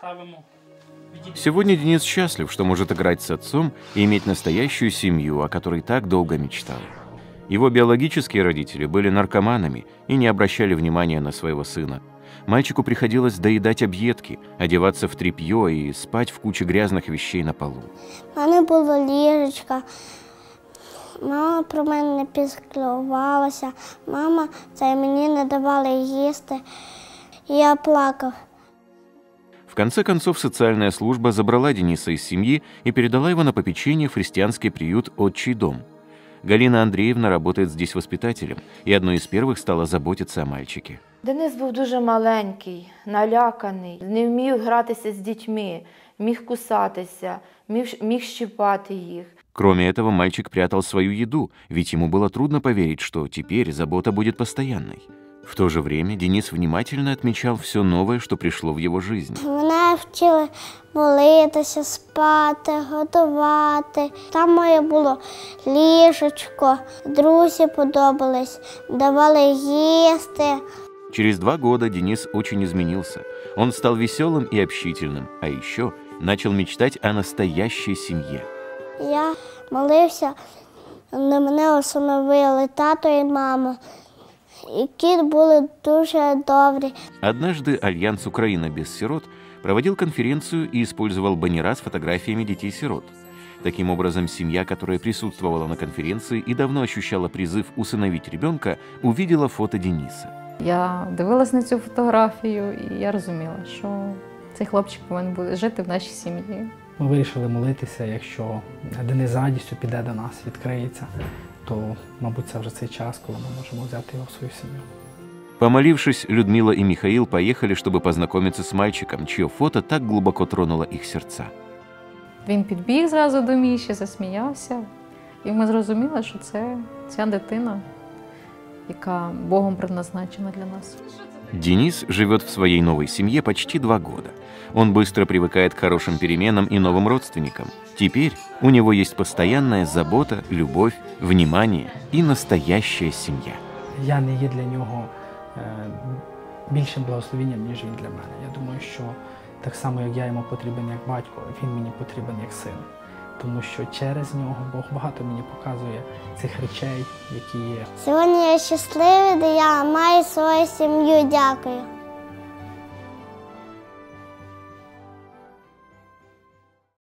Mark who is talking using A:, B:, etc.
A: Сегодня Денис счастлив, что может играть с отцом и иметь настоящую семью, о которой так долго мечтал. Его биологические родители были наркоманами и не обращали внимания на своего сына. Мальчику приходилось доедать объедки, одеваться в тряпье и спать в куче грязных вещей на полу.
B: У мене була ліжечка, мама про мене не піклувалася, мама мені не давала їсти, і я плакав.
A: В конце концов, социальная служба забрала Дениса из семьи и передала его на попечение в христианский приют «Отчий дом». Галина Андреевна работает здесь воспитателем и одной из первых стала заботиться о мальчике.
C: Денис був дуже маленький, наляканий, не вмів гратися з дітьми, міг кусатися, міг щипати їх.
A: Кроме этого, мальчик прятал свою еду, ведь ему было трудно поверить, что теперь забота будет постоянной. В то же время Денис внимательно отмечал все новое, что пришло в его жизнь.
B: Мене вчили молитися, спати, готувати. Там моє було ліжечко, друзі подобались, давали їсти.
A: Через 2 года Денис очень изменился. Он стал веселым и общительным, а еще начал мечтать о настоящей семье.
B: Я молився, на мене усиновили тато і мама. Які були дуже добрі.
A: Однажды Альянс «Украина без сирот» проводил конференцию и использовал баннера с фотографиями детей-сирот. Таким образом, семья, которая присутствовала на конференции и давно ощущала призыв усыновить ребенка, увидела фото Дениса.
D: Я дивилась на цю фотографію і я розуміла, що цей хлопчик повинен буде жити в нашій сім'ї.
E: Ми вирішили молитися, якщо Денис з радістю піде до нас, відкриється, то, мабуть, це вже цей час, коли ми можемо взяти його в свою сім'ю.
A: Помолившись, Людмила и Михаил поехали, чтобы познакомиться с мальчиком, чье фото так глубоко тронуло их сердца.
D: Він підбіг зразу до Міші, засміявся, і ми зрозуміли, що це ця дитина, яка Богом предназначена для нас.
A: Денис живет в своей новой семье почти 2 года. Он быстро привыкает к хорошим переменам и новым родственникам. Теперь у него есть постоянная забота, любовь, внимание и настоящая семья.
E: Я не є для нього більшим благословенням, ніж він для мене. Я думаю, що так само, як я йому потрібен як батько, він мені потрібен як син. Тому що через нього Бог багато мені показує цих речей, які є.
B: Сьогодні я щасливий, де я маю свою сім'ю. Дякую.